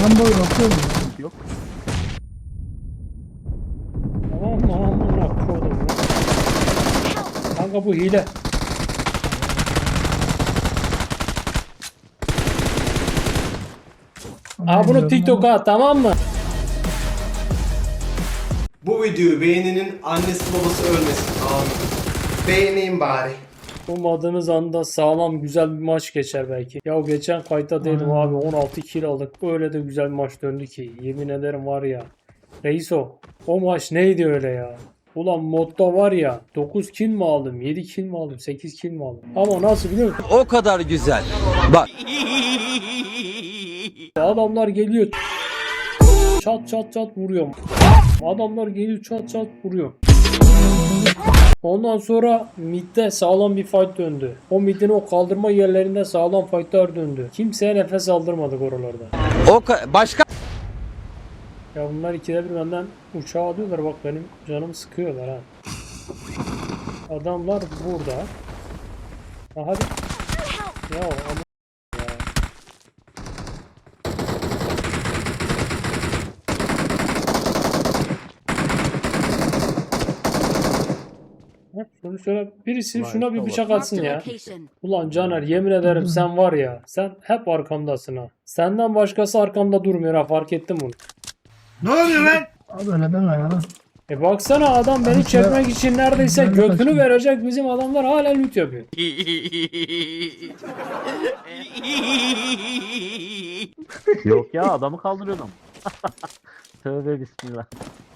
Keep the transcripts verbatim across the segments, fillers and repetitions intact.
Ben boy bakıyorum ya. Yok. Aman aman kodum ya. Kanka bu hile. Aa bunu TikTok'a at, tamam mı? Bu videoyu beğeninin annesi babası ölmesin. Amin. Beğeneyim bari. Ummadığınız anda sağlam güzel bir maç geçer belki. Ya geçen kayıtta değilim Aynen. abi, on altı kill aldık. Öyle de güzel bir maç döndü ki. Yemin ederim var ya. Reiso, o maç neydi öyle ya? Ulan modda var ya, dokuz kill mi aldım, yedi kill mi aldım, sekiz kill mi aldım? Ama nasıl biliyor musun? O kadar güzel. Bak. Adamlar geliyor. Çat çat çat vuruyor. Adamlar geliyor çat çat vuruyor. Ondan sonra midde sağlam bir fight döndü. O midin o kaldırma yerlerinde sağlam fightlar döndü. Kimseye nefes aldırmadık oralarda. O ka- başka Ya bunlar ikide bir benden uçağa alıyorlar, bak benim canımı sıkıyorlar ha. Adamlar burada. Ha hadi. Ya ama ya. Hep şunu şöyle birisi Ulan şuna bir işte bıçak bak. atsın Marked a ya. location. Ulan Caner, yemin ederim sen var ya, sen hep arkamdasın ha. Senden başkası arkamda durmuyor ha, fark ettim bunu. Abi öyle deme ya. E baksana, adam beni Abi sen- çekmek için neredeyse Ben de götünü kaçtım. verecek, bizim adamlar hala loot yapıyor. Yok ya, adamı kaldırıyordum. Tövbe bismillah.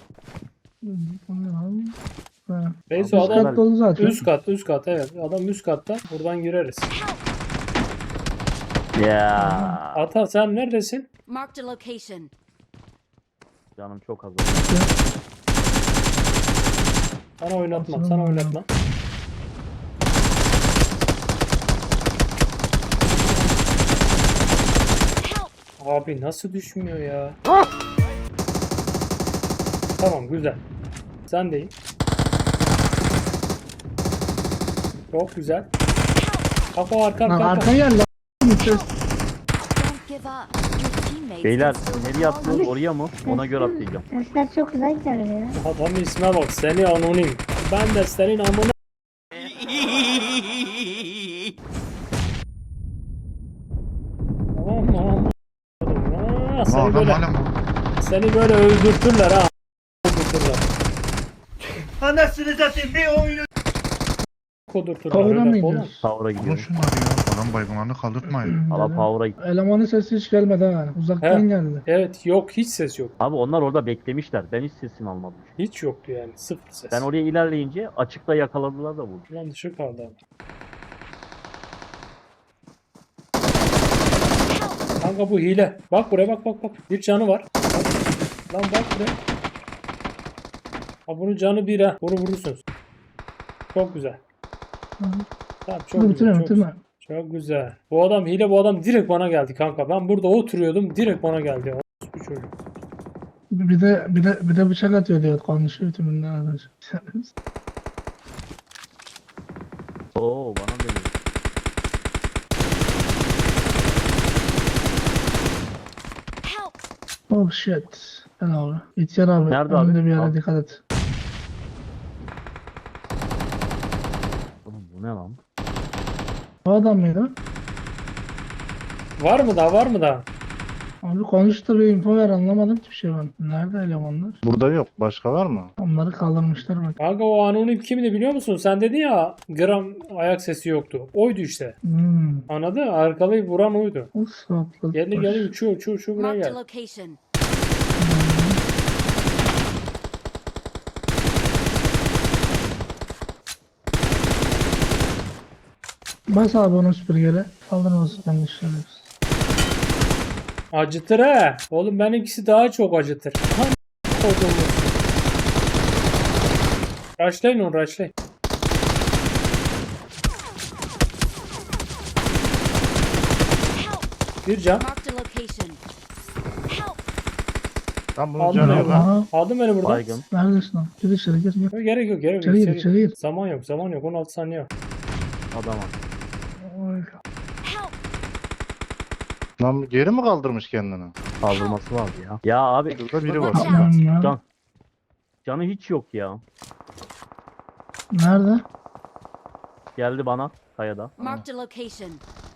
Ha. Neyse Abi, adam Üst kat dolu zaten. üst kat, üst kat, evet, adam üst katta, buradan gireriz. Ya Ata sen neredesin? Marked a location. canım çok az. Sana oynatma, Aslında sana ben- oynatma. Abi nasıl düşmüyor ya? Tamam, güzel. Sen deyim. Çok güzel. Kafa arka Lan arka arka. arka gel lan. Ses. Don't give up. Your teammates Beyler can still nereye attınız, recall you. oraya mı? Ona göre atlayacağım. Sesler çok güzel geliyor. Adamın isme bak, seni anonim. Ben de senin amına. Aman aman. Aa, seni böyle, seni böyle öldürtürler ha. Öldürtürler. Anasını satayım bir oyunu. Kodurturlar Kavura mı öyle oğlum. gidiyoruz? Power'a Alın gidiyorum. şunları ya. Adam baygınlarını kaldırtmayın. Valla Power'a git. Elemanın sesi hiç gelmedi ha. Uzaktan He. geldi. Evet, yok, hiç ses yok. Abi onlar orada beklemişler. Ben hiç sesini almadım. Hiç yoktu yani, sıfır ses. Ben oraya ilerleyince açıkta yakaladılar da vurdu. Ulan dışı kaldı abi. Kanka bu hile. Bak buraya, bak bak bak. Bir canı var. Bak. Lan bak buraya. Ha bunun canı bir ha. Bunu vurursunuz. Çok güzel. Tamam, çok Dur güzel. bitirme Çok, bitirme. çok güzel. Bu adam hile, bu adam direkt bana geldi kanka. Ben burada oturuyordum, direkt bana geldi. Bu çocuk. Bir de bir de bir de bıçak atıyor diyor, konuşuyor tümünden arkadaş. Oo bana dönüyor. Help! Oh shit. Gel abi. İhtiyar abi. Nerede abi? Önünde bir yere Al. dikkat et. Oğlum bu ne lan? O adam mıydı? Var mı daha, var mı daha? Abi konuştu, bir info ver, anlamadım ki bir şey ben. Nerede elemanlar? Burada yok. Başka var mı? Onları kaldırmışlar bak. Kanka o anonim kimdi biliyor musun? Sen dedin ya gram ayak sesi yoktu. Oydu işte. Hmm. Anladın? Arkalayıp vuran oydu. O saplı. Geldi geldi uçuyor uçuyor uçuyor buraya Marked a gel. location. Bas abi onu süpürgeyle. Kaldırmasın ben işleriz. Acıtır he. Oğlum benimkisi daha çok acıtır. Tam kodumuz. Rushlayın onu, rushlayın. Bir can. Marked a location. Help! Tam bunun Aldım canı beni yok buradan. ha. Aha. Aldın beni buradan. Baygın. Neredesin lan? Gir içeri gir gir. Gerek yok, gerek yok. İçeri gir içeri- içeri gir. Zaman yok, zaman yok. on altı saniye var. Adama. Oy. Help! Lan geri mi kaldırmış kendini? Kaldırması vardı ya. Ya abi Burada biri var. Watch out. Tamam ya. can, canı hiç yok ya. Nerede? Geldi bana kayada. Marked a location.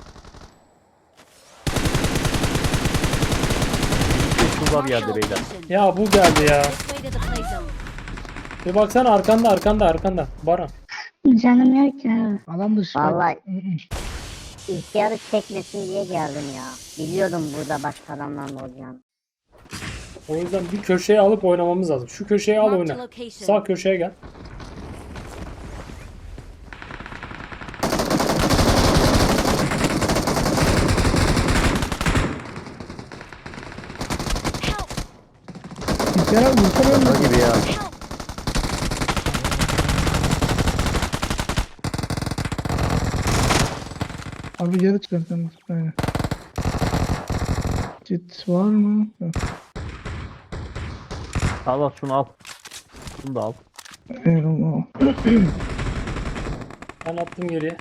Şurada bir Marked a yerde beyler. location. Ya bu geldi ya. This way to the play zone. Bir baksana arkanda arkanda arkanda. Baran. Canım yok ya. Alan dışı. Vallahi- Hı hı. İhtiyarı çekmesin diye geldim ya. Biliyordum burada başka adamlarla olacağını. O yüzden bir köşeye alıp oynamamız lazım. Şu köşeye al Marked a oyna. location. Sağ köşeye gel. Help! Bir kere vursana Şaka öyle. gibi ya. Help! Abi geri çıkartalım. Aynen. Kit var mı? Yok. Al al şunu al. Şunu da al. Eyvallah. Ben attım geriye.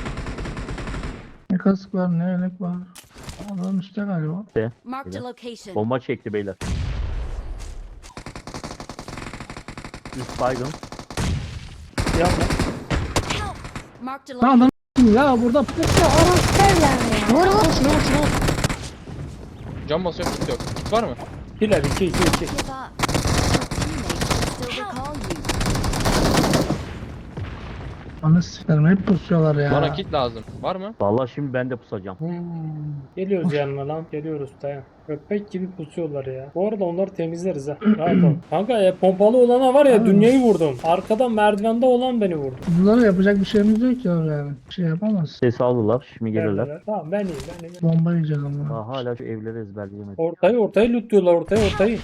Ne kask var ne yelek var. Adam üstte galiba. Marked a location. Bomba çekti beyler. Üst baygın. Yapma. Help! Marked a Ha location. adam ya burada pusu Vur vur. Can basıyorum, kit yok. Kit var mı? Hiler iki iki iki. Give up. Your teammates will still recall you. Anı sikerim hep pusuyorlar ya. Bana kit lazım. Var mı? Vallahi şimdi ben de pusacağım. Hmm. Geliyoruz yanına lan. Geliyoruz dayan. Köpek gibi pusuyorlar ya. Bu arada onları temizleriz ha. Rahat ol. Kanka ya pompalı olana var ya dünyayı vurdum. Arkadan merdivende olan beni vurdu. Bunlara yapacak bir şeyimiz yok ya yani. Bir şey yapamaz. Ses aldılar. Şimdi gelirler. Geldiler. Tamam ben iyiyim ben iyiyim. Bomba yiyeceğiz ama. Daha hala şu evleri ezberleyemedim. Ortayı ortayı lootluyorlar ortayı ortayı.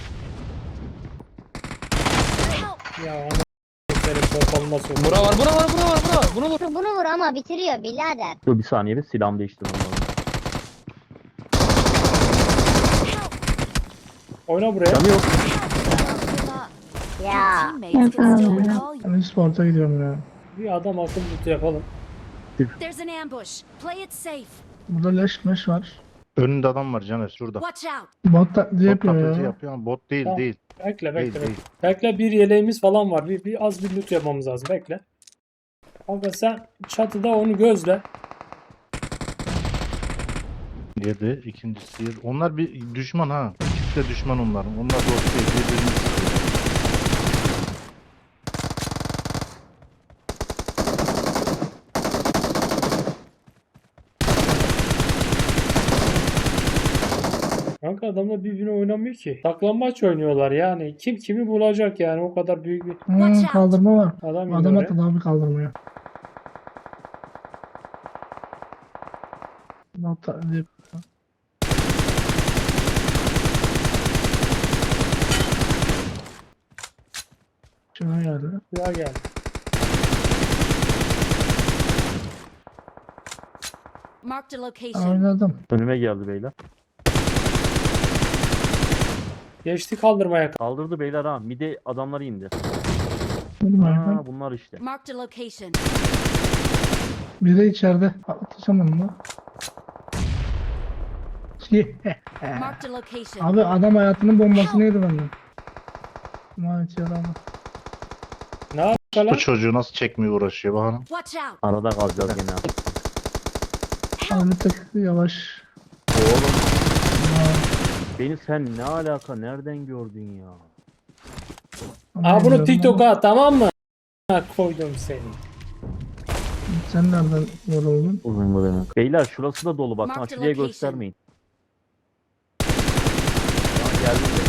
Help! Ya ana senin pompalı nasıl Bura var, bura var, bura var, bura var. Bunu vur. Bunu vur ama bitiriyor birader. Dur bir saniye bir silahımı değiştirmem lazım. Oyna buraya. Canı yok. Don't give up. Your Ya. teammates can still recall you. Ben sporta gidiyorum ya. Bir adam akıl loot yapalım. There's an ambush. Play it safe. Burada leş meş var. Önünde adam var Caner şurada. Watch out. Bot taklidi Bot yapıyor taklidi ya. yapıyor ama bot değil Tamam. değil. Bekle Değil bekle değil. bekle. Bekle bir yeleğimiz falan var. Bir, bir az bir loot yapmamız lazım. Bekle. Kanka sen çatıda onu gözle. Yedi. İkincisi yedi. Onlar bir düşman ha. İkisi de düşman onların. Onlar dost değil. Birbirini sıkıyor. Kanka adamlar birbirine oynamıyor ki. Saklambaç oynuyorlar yani. Kim kimi bulacak yani o kadar büyük bir Hmm, Watch out. kaldırma var. adam Adam yine atladı abi kaldırmaya. Bot taklidi yapıyor. Şuna geldi. oraya geldi. Marked a location. Oynadım. Önüme geldi beyler. Geçti kaldırmaya. Kaldırdı beyler ha. Mide adamları indi. Bilmiyorum. Ha bunlar işte. Marked a location. Biri içeride. Atlasam onu da. Marked a location. Abi adam hayatının bombasını yedi benden. Manet yaralı. Ne yapıyor Bu lan? çocuğu nasıl çekmeye uğraşıyor bakalım. Watch out. Arada kalacağız gene. Abi bir tık yavaş. Oğlum. Beni sen ne alaka? Nereden gördün ya? Aa bunu Bilmiyorum TikTok'a ama at tamam mı? Ha, koydum seni. Sen nereden yoruldun? Uzun bu demek. Beyler şurası da dolu. Bakın Mark the açılıya location. göstermeyin. Aa, geldi de.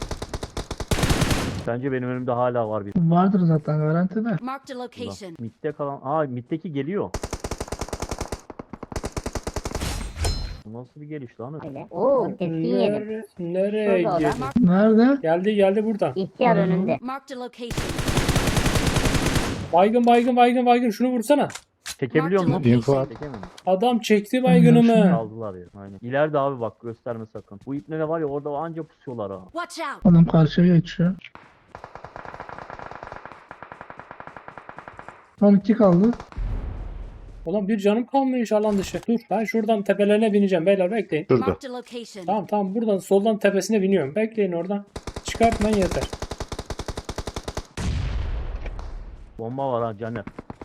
Bence benim önümde hala var bir. Vardır zaten garantide. Marked a location. Mid'de kalan. Aa mid'deki geliyor. Bu nasıl bir geliş lan? Öyle. Oo tepki yedim. Nere, nereye Şurada o da. girdi? Nerede? Geldi geldi buradan. İhtiyar önünde. Marked a location. Baygın baygın baygın baygın şunu vursana. Çekebiliyor musun? Info at. Çekemem. Adam çekti baygınımı. Aldılar ya. Aynen. İleride abi bak gösterme sakın. Bu ipne de var ya orada anca pusuyorlar ha. Watch out. Adam karşıya geçiyor. Son iki kaldı. Ulan bir canım kalmış alan dışı. Dur ben şuradan tepelerine bineceğim beyler bekleyin. Şurada. Marked a location. Tamam tamam buradan soldan tepesine biniyorum. Bekleyin oradan. Çıkartmayın yeter. Bomba var ha Caner.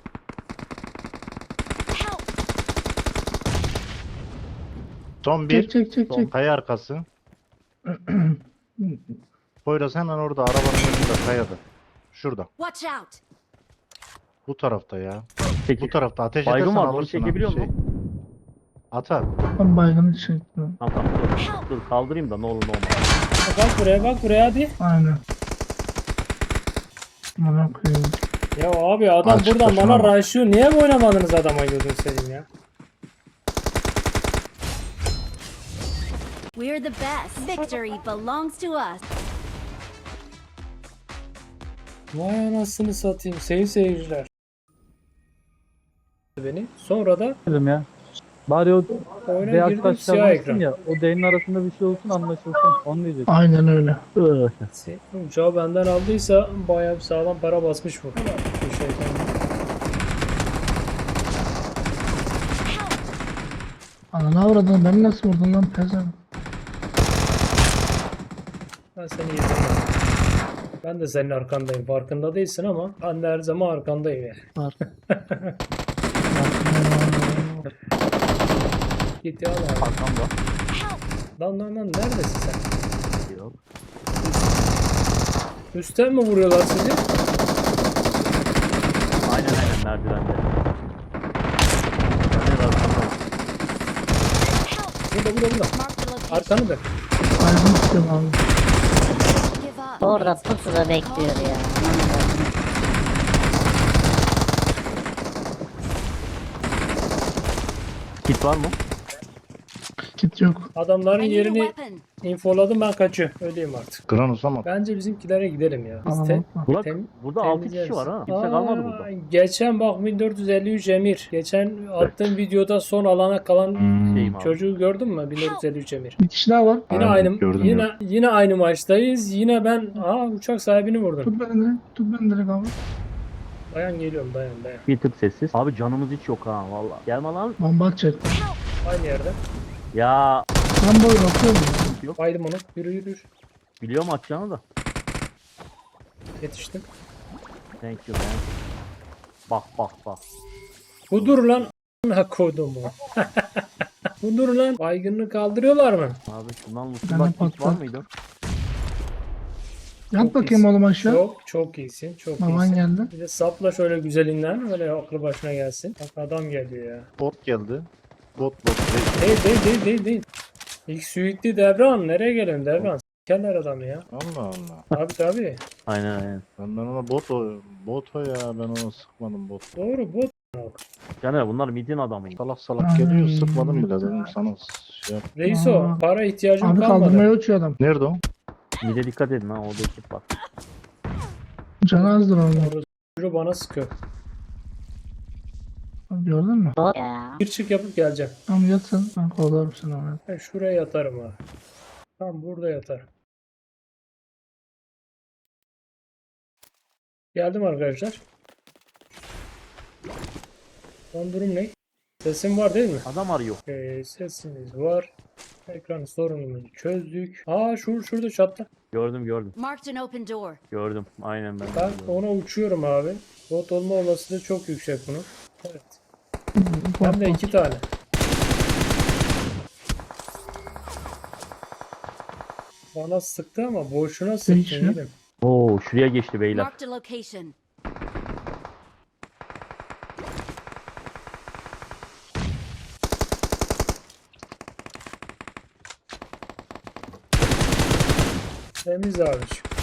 Help! Son bir. Çek çek çek Son çek. kaya arkası. Poyraz hemen orada arabanın önünde kayada. Şurada. Watch out! Bu tarafta ya. Peki. Bu tarafta ateş Baygın edersen var, bunu alırsın. ha, çekebiliyor şey. musun? Atar. Ben baygını çektim. Tamam tamam dur. Dur kaldırayım da ne olur ne olmaz. Bak buraya bak buraya hadi. Aynen. Bana koyayım. Ya abi adam Açıkta buradan şuna bana bak. raşıyor. Niye oynamadınız adama gözünü seveyim ya? We're the best. Victory belongs to us. Vay anasını satayım sayın seyirciler. Beni. Sonra da Dedim ya. Bari o oyuna beyaz girdim taşlar siyah varsın ekran. ya. O D'nin arasında bir şey olsun anlaşılsın. Onu diyecek. Aynen öyle. Uçağı benden aldıysa bayağı bir sağlam para basmış bu. Bu şeyden. Ananı avradın, beni nasıl vurdun lan pezen? Ben seni yedim. Ben de senin arkandayım. Farkında değilsin ama ben de her zaman arkandayım yani. Var. Git ya lan. Arkamda. Lan lan lan neredesin sen? Yok. Üstten mi vuruyorlar sizi? Aynen aynen merdivende. Caner arkamda. Burada burada burada. Marked a location. Arkanı dön. Baygın istiyorum abi. Give up. Orada pusuda bekliyor ya. Kit var mı? Kit yok. Adamların I need a yerini weapon. infoladım ben kaçıyorum. Öyleyim artık. Granus ama. Bence bizimkilere gidelim ya. Biz Tamam. te- Burada, tem- burada altı kişi temizleriz. var ha. Kimse Aa, kalmadı burada. Geçen bak bin dört yüz elli üç Emir. Geçen attığım videoda son alana kalan Şeyim abi. çocuğu gördün mü? bin dört yüz elli üç Emir. Bir kişi daha var. Yine Aynen, aynı gördüm, yine gördüm. yine aynı maçtayız. Yine ben aa uçak sahibini vurdum. Tut beni direkt. Tut beni direkt abi. Dayan geliyorum dayan dayan. Bir tık sessiz. Abi canımız hiç yok ha valla. Gelme lan. Bomba atacak. Aynı yerde. Ya Ben boy bakıyorum ya. Baydım onu. Yürü yürü yürü. biliyorum atacağını da. Yetiştim. Thank you man. Bak bak bak. Budur lan. A**ına kodumu. Budur lan. Baygınlığı kaldırıyorlar mı? Abi şundan Ben Mustafa de kit var patlat. mıydı? Yat Çok bakayım iyisin. oğlum aşağı. Çok çok iyisin. Çok Baban iyisin. geldi. Bir de sapla şöyle güzelinden. Öyle aklı başına gelsin. Bak adam geliyor ya. Bot geldi. Bot bot. Değil değil değil değil değil. İlk suitli Devran. Nereye gelelim Devran? S**kerler adamı ya. Allah Allah. Tabi tabi. Aynen aynen. Ben, ben ona bot o. Bot o ya. Ben ona sıkmadım bot. Doğru bu. Caner bunlar midin adamıydı. Salak salak geliyor sıkmadım bile dedim sana şey yap. Reiso Aa. para ihtiyacım Abi kalmadı. kaldırmaya uçuyor adam. Nerede o? Mide dikkat edin ha orada ekip var. Canı azdır onun. Çocuğu bana sıkıyor. Gördün mü? Bot ya. Bir çık yapıp geleceğim. Tamam yat sen. Ben kovalarım seni oraya. Ben şuraya yatarım ha. Tam burada yatarım. Geldim arkadaşlar. Son durum ne? Sesim var değil mi? Adam arıyor. Ee, sesimiz var. Ekran sorunumuzu çözdük. Aa şur şurada çatta. Gördüm gördüm. Marked an open door. Gördüm. Aynen ben. de Ben gördüm. ona uçuyorum abi. Bot olma olasılığı çok yüksek bunun. Evet. Bak, Hem de bak. iki tane. Bana sıktı ama boşuna sıktı. Değişiyor. yeğenim. Oo şuraya geçti beyler. Marked a location. Temiz abi.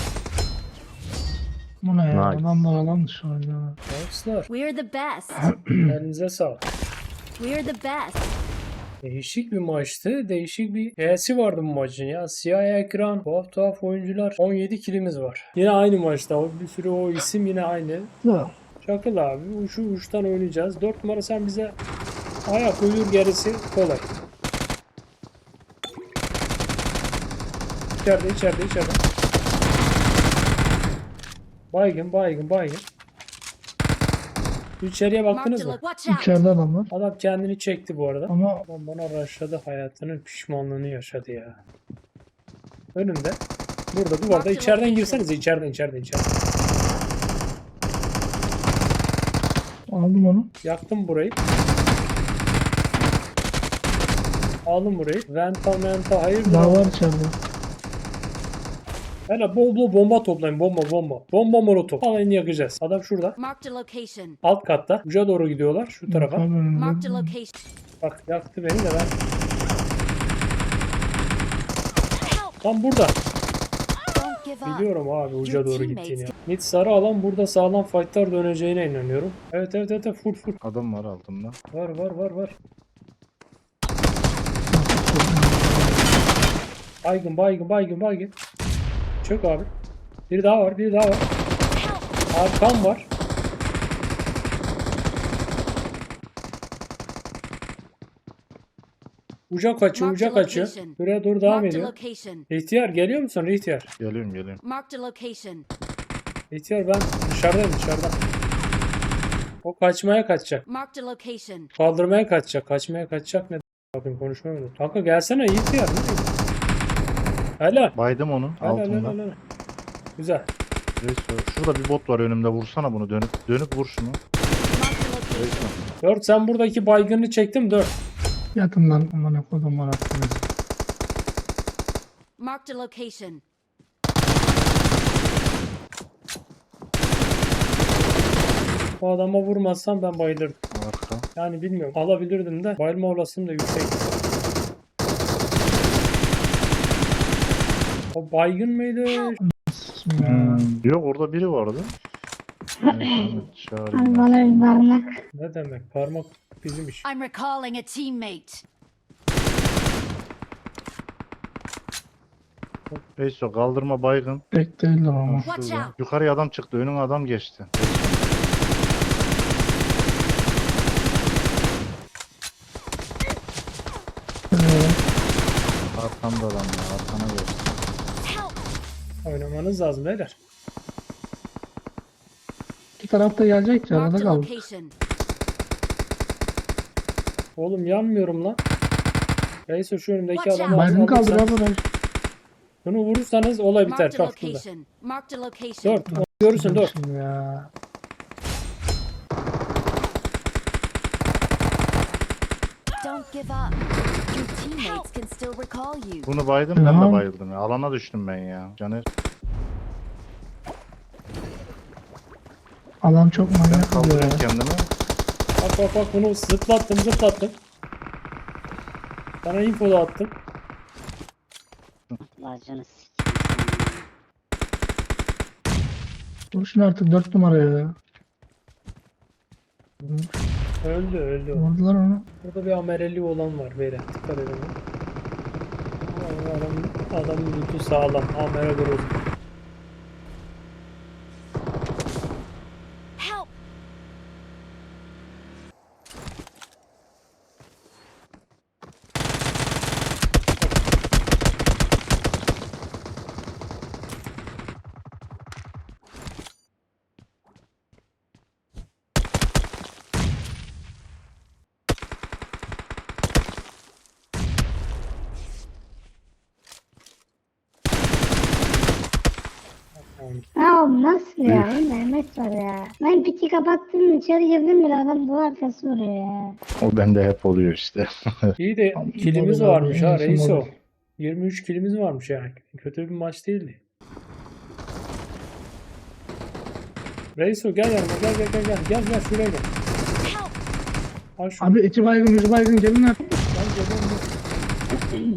Bu ne ya? Nice. Adamlar alan dışı oynuyorlar. Thanks'lar. We're the best. Elinize sağlık. We're the best. Değişik bir maçtı. Değişik bir E'si vardı bu maçın ya. Siyah ekran, tuhaf tuhaf oyuncular. on yedi kilimiz var. Yine aynı maçta. O bir sürü o isim yine aynı. Ya. Çakıl abi. Uçu uçtan oynayacağız. dört numara sen bize ayak uydur gerisi kolay. İçeride içeride içeride. Baygın baygın baygın. İçeriye baktınız Marked a mı? lo- Watch out! İçeride adam var. Adam kendini çekti bu arada. Ama Adam bana rushladı, hayatının pişmanlığını yaşadı ya. Önümde. Burada duvarda. Marked İçeriden location. girsenize. içeriden içeriden içeriden. aldım onu. Yaktım burayı. Aldım burayı. Venta menta hayırdır? Daha abi? var içeride. Hele bol bol bomba toplayın. Bomba bomba. Bomba molotof. Alayını yakacağız. Adam şurada. Marked a location. Alt katta. Uca doğru gidiyorlar. Şu tarafa. Tabii önümde. Marked a location. Bak yaktı beni de ben. Help! Tam burada. Don't give up. Biliyorum abi uca Your doğru teammates gittiğini. Mid sarı alan burada sağlam fightlar döneceğine inanıyorum. Evet evet evet evet, full full. Adam var altında. Var var var var. Baygın baygın baygın baygın. Çök abi. Biri daha var biri daha var. Arkam var. Uca kaçıyor Marked uca a kaçıyor. location. Buraya doğru devam Marked a ediyor. location. İhtiyar geliyor musun İhtiyar? Geliyorum geliyorum. Marked a location. İhtiyar ben dışarıdayım dışarıda. O kaçmaya kaçacak. Marked a location. Kaldırmaya kaçacak. Kaçmaya kaçacak ne? Bakın konuşmuyorum. Kanka gelsene İhtiyar. Ne diyorsun? Helal. Baydım onun Helal helal altında. helal. Güzel. Neyse, şurada bir bot var önümde, vursana bunu, dönüp dönüp vur şunu. Marked a location. Neyse. Dört sen buradaki baygını çektim dört. Yatın lan. Aman akodum var aklınız. Marked a location. O adama vurmazsam ben bayılırdım. Arka. Yani bilmiyorum. Alabilirdim de bayılma olasılığım da yüksek. O baygın mıydı? Sikim ya. Hmm, yok orada biri vardı. Neyse, Ahmet, çağırayım ben. Bana bir parmak. Ne demek? Parmak bizim iş. I'm recalling a teammate. Neyse, kaldırma baygın. Pek değildir ama. Watch Şurada. out! Yukarıya adam çıktı, önüne adam geçti. Ee, Arkamda adam ya, arkana geçti. Help! Oynamanız lazım beyler. İki tarafta gelecek ya. Arada Marked a kaldık. location. Oğlum yanmıyorum lan. Neyse şu önümdeki Watch adamı out. Baygın kaldır alırsanız- abi. Bunu vurursanız olay biter. Marked a Kalk burada. location. Marked a location. Dört. Onu görürsün dört. Şimdi ya. Don't give up. Your teammates can still recall you. Bunu baydım, ben de Tamam. bayıldım ya. Alana düştüm ben ya. Caner, Alan çok ben manyak oluyor kaldırıyorum ya. kendimi. Bak bak bak bunu zıplattım zıplattım. Sana info da attım. Bacını s***. Vuruşun artık dört numaraya ya. Öldü öldü. o. Vurdular onu. Burada bir amereli olan var beyler. Dikkat edin. Ama Adam, adamın lütfu sağlam. Amere groz. Help! Ya nasıl ya? Mehmet var ya. Ben piti kapattım içeri girdim bile adam duvar arkası vuruyor ya. O bende hep oluyor işte. İyi de Abi, kilimiz model abi, varmış ha en iyisi Reiso. model. yirmi üç kilimiz varmış yani. Kötü bir maç değildi. Reiso gel yanıma gel gel gel gel gel gel şuraya gel. Help! Al şunu. Abi iki baygın, üç baygın gelin artık. Gel gel gel.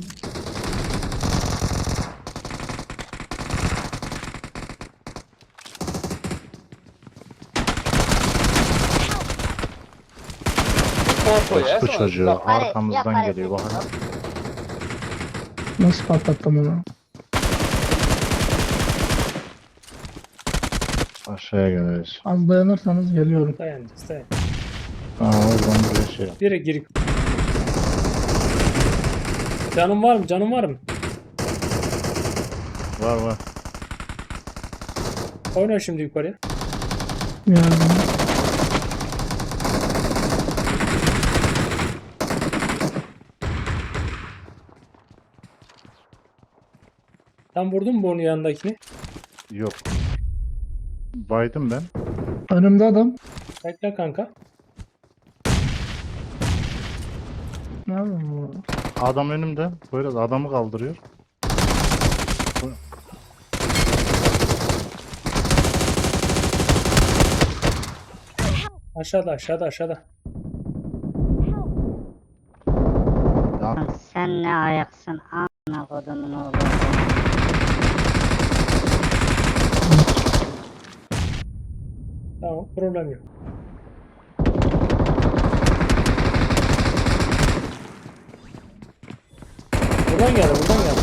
Bu çocuğu arkamızdan yapar, geliyor bakın. Nasıl patlattım onu? Aşağıya geliriz. Az dayanırsanız geliyorum. Dayanacağız dayan. Aa, oradan buraya şey yap. Direkt girik. Canım var mı? Canım var mı? Var var. Oyna şimdi yukarıya. Yardım. Sen vurdun mu onun yanındakini? Yok. Baydım ben. Önümde adam. Bekle kanka. Ne yapayım bu? Adam önümde. Böyle adamı kaldırıyor. Aşağıda aşağıda aşağıda. Ya, Sen ne ayaksın a**ına kodumun oğlu. Tamam, problem yok. Buradan geldi buradan geldi.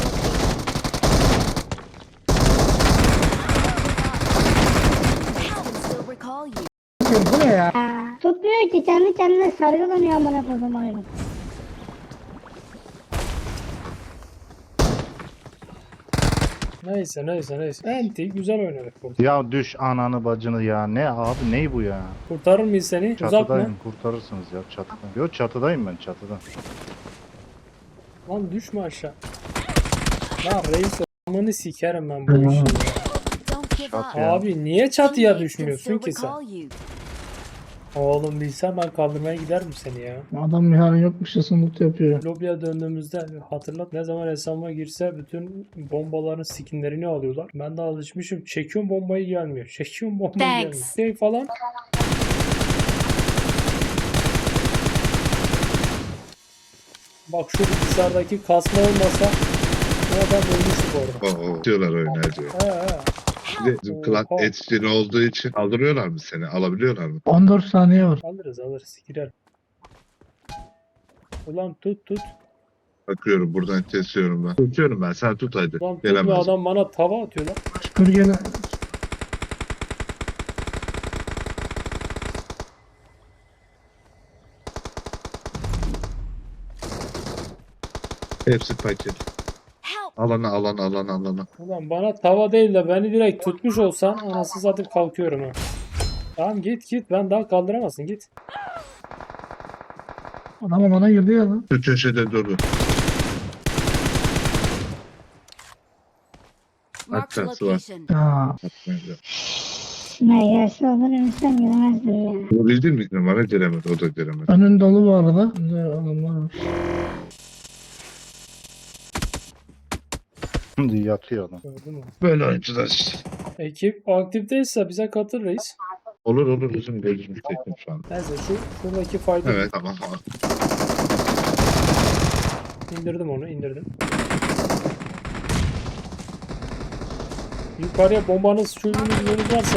I can still recall you. Bu ne ya? Ya, tutmuyor ki kendi kendine sargı dönüyor amına kodum oyunu. Neyse neyse neyse. Enti güzel oynadık burada. ya düş ananı bacını ya. Ne abi ney bu ya? Kurtarır mıyız seni? Uzak mı? Çatıdayım. Kurtarırsınız ya çatıda. Yok çatıdayım ben çatıda. Lan düşme aşağı. Lan reis olmanı sikerim ben bu işi. Don't give up. Çat ya. Abi niye çatıya Teammates can düşmüyorsun still ki sen? recall you. Oğlum bilsem ben kaldırmaya giderim seni ya. Adam yani yokmuş ya loot yapıyor. Lobiye döndüğümüzde hatırlat ne zaman hesabıma girse bütün bombaların skinlerini alıyorlar. Ben de alışmışım. Çekiyorum bombayı gelmiyor. Çekiyorum bombayı gelmiyor. Thanks. Şey falan. Bak şu bilgisayardaki kasma olmasa o adam ölmüştü bu arada. Oo, diyorlar oynayıcı. He he. Bir de bizim klan Oha. etkin olduğu için kaldırıyorlar mı seni? Alabiliyorlar mı? on dört saniye var. Alırız alırız girer. Ulan tut tut. Bakıyorum buradan kesiyorum ben. Tutuyorum ben. Sen tut hadi. Ulan tut bir Gelemez. adam bana tava atıyor lan. Şükür gene. Hepsi paket. Help! Alana alana alana alana. Ulan bana tava değil de beni direkt tutmuş olsan anasını satayım kalkıyorum ha. Tamam git git ben daha kaldıramazsın git. Adam alana girdi ya lan. Şu köşede durdu. Marked a Hakkası var. location. Ya. Atmayacağım. Ne gelse olur ölsem giremezdim ya. Vurabildin mi? Numara giremedi. O da giremedi. Önün dolu bu arada. Güzel adamlar var. Şimdi yatıyor adam. Gördün mü? Böyle oyuncular işte. Ekip aktifteyse bize katıl reis. Olur olur bizim gözümüz tekim şu an. Neyse şu şuradaki fayda Evet tamam. indirdim onu indirdim. Yukarıya bombanız çocuğunuz yönünüz varsa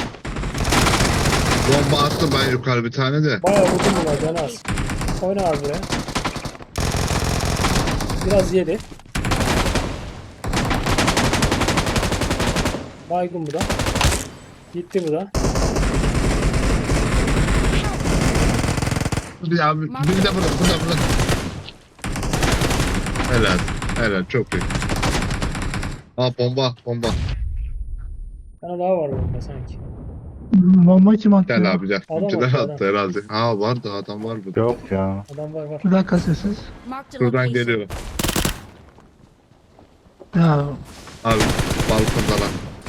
Bomba attım ben yukarı bir tane de. bayağı vurdum buna can az. Oyna abi buraya. Biraz yedi. Baygın bu da. Gitti bu da. Bir abi bir de burada burada burada. Helal. Helal çok iyi. Aa bomba bomba. Bir tane daha var burada sanki. Bomba kim attı? Gel ya? abi gel. Adam Bizimkiler attı, attı herhalde. Ha vardı adam var burada. Yok ya. Adam var var. Bir dakika sessiz. Marked a Buradan location. geliyorum. Ya Abi balkondalar.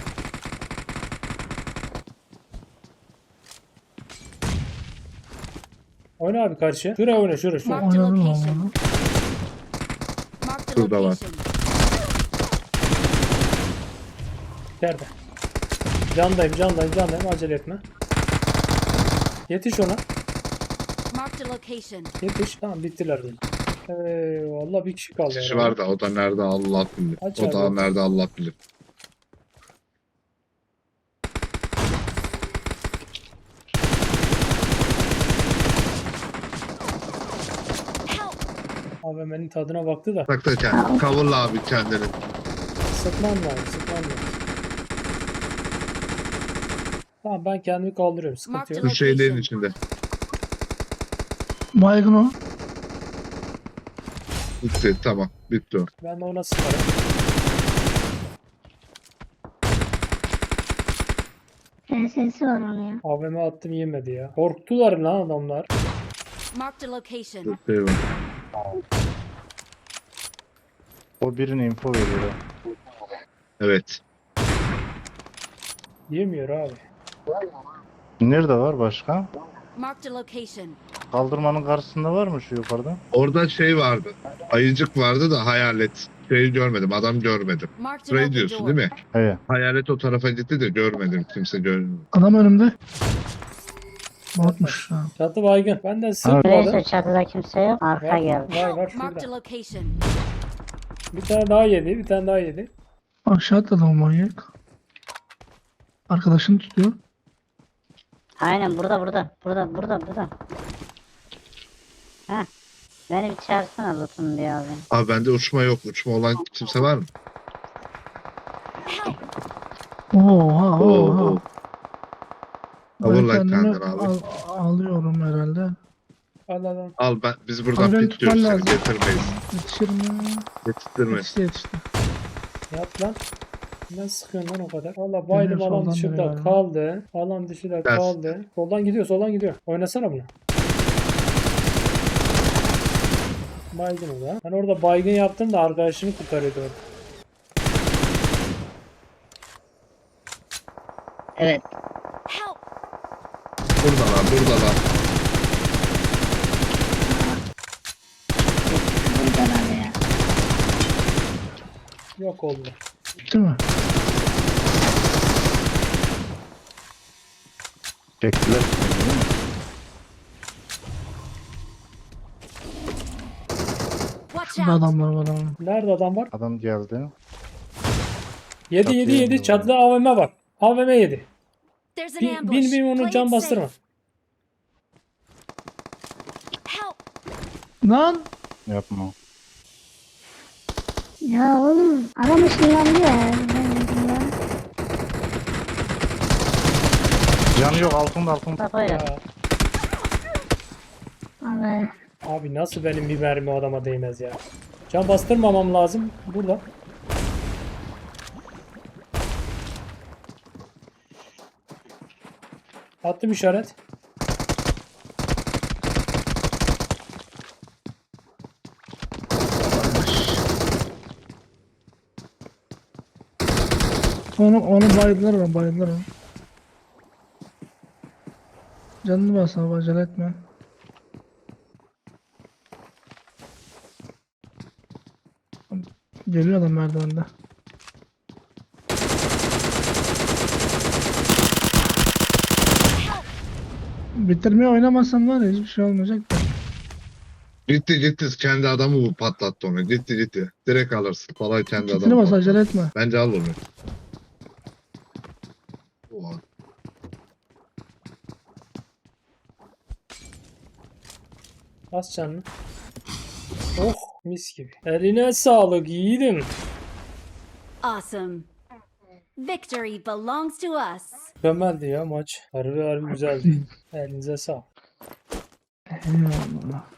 Oyna abi karşıya. Şuraya oyna şuraya şuraya. Marked a oynadım ama. location. Marked a Şurada var. location. Nerede? Candayım candayım candayım acele etme. Yetiş ona. Marked a location. Yetiş. Tamam bittiler benim. Ee, vallahi bir kişi kaldı. Kişi herhalde. var da o da nerede Allah bilir. Aç O da abi. nerede Allah bilir. Help! A V M'nin tadına baktı da. Bak da kendini. Kavurla abi kendini. Sıkman lazım sıkman lazım. Tamam ben kendimi kaldırıyorum. Sıkıntı Marked yok. a Bu şeylerin location. içinde. baygın o. Bitti tamam. Bitti o. Ben de ona sıkarım. F S'si var onun ya. A V M attım yemedi ya. Korktular lan adamlar. Marked a location. Bitti eyvallah. O birine info veriyor. Evet. Yemiyor abi. Nerede var başka? Marked a location. Kaldırmanın karşısında var mı şu yukarıda? Orada şey vardı. Ayıcık vardı da hayalet. Şeyi görmedim. Adam görmedim. Marked an Burayı open diyorsun door. değil mi? Evet. Hayalet o tarafa gitti de görmedim. Kimse görmedi. Adam önümde. Botmuş ha. Çatı baygın. Ben de Neyse sıkmadım. çatıda kimse yok. Arka Var, geldi. var, var Marked a şurada. location. Bir tane daha yedi. Bir tane daha yedi. Aşağı atladı o manyak. Arkadaşını tutuyor. Aynen burada burada. Burada burada burada. Heh. Beni bir çağırsana loot'um diye abi. Abi bende uçma yok. Uçma olan kimse var mı? Oha Oo, oha. oo. Ben Cover light kendimi kaldır abi. al- alıyorum herhalde. Al al al. Al ben biz buradan Abi ben pit tutuyoruz tutmam seni lazım. getirmeyiz. Yetişir mi? Yetiştirme. Yetişti yetişti. Yat lan. Ne sıkıyorsun lan o kadar? Valla baydım Geliyor, alan soldan dışında geliyor. kaldı. Alan dışında Ders. kaldı. Soldan gidiyor soldan gidiyor. Oynasana bunu. Baygın o da. Ben orada baygın yaptım da arkadaşını kurtarıyordu orada. Evet. Help! Buradalar buradalar. Buradalar ya. Yok oldu. Bitti mi? Çektiler. Watch Burada out! adamlar var ama. Nerede adam var? Adam geldi. Yedi Çatıya yedi yedi. indi Çatıda A V M var. A V M yedi. There's an Bin ambush. bin, bin onu Play can it bastırma. safe. Help! Lan! Yapma. Ya oğlum adam ışınlandı ya. Canı yok altında altında. Kafayla. Ya, Abi. abi nasıl benim bir mermi o adama değmez ya. Can bastırmamam lazım. Burada. Attım işaret. Onu, onu bayıldılar onu bayıldılar onu. Canını bas abi acele etme. Geliyor adam merdivende. Bitirmeye oynamazsam var ya hiçbir şey olmayacak da. Gitti gitti. Kendi adamı bu patlattı onu. Gitti gitti. Direkt alırsın. Kolay kendi Kitini adamı bas patlattı. acele etme. Bence al onu. Oha. Bas canını. Oh mis gibi. Eline sağlık yiğidim. Awesome. Victory belongs to us. Mükemmeldi ya maç. Harbi harbi güzeldi. Elinize sağlık. Eyvallah.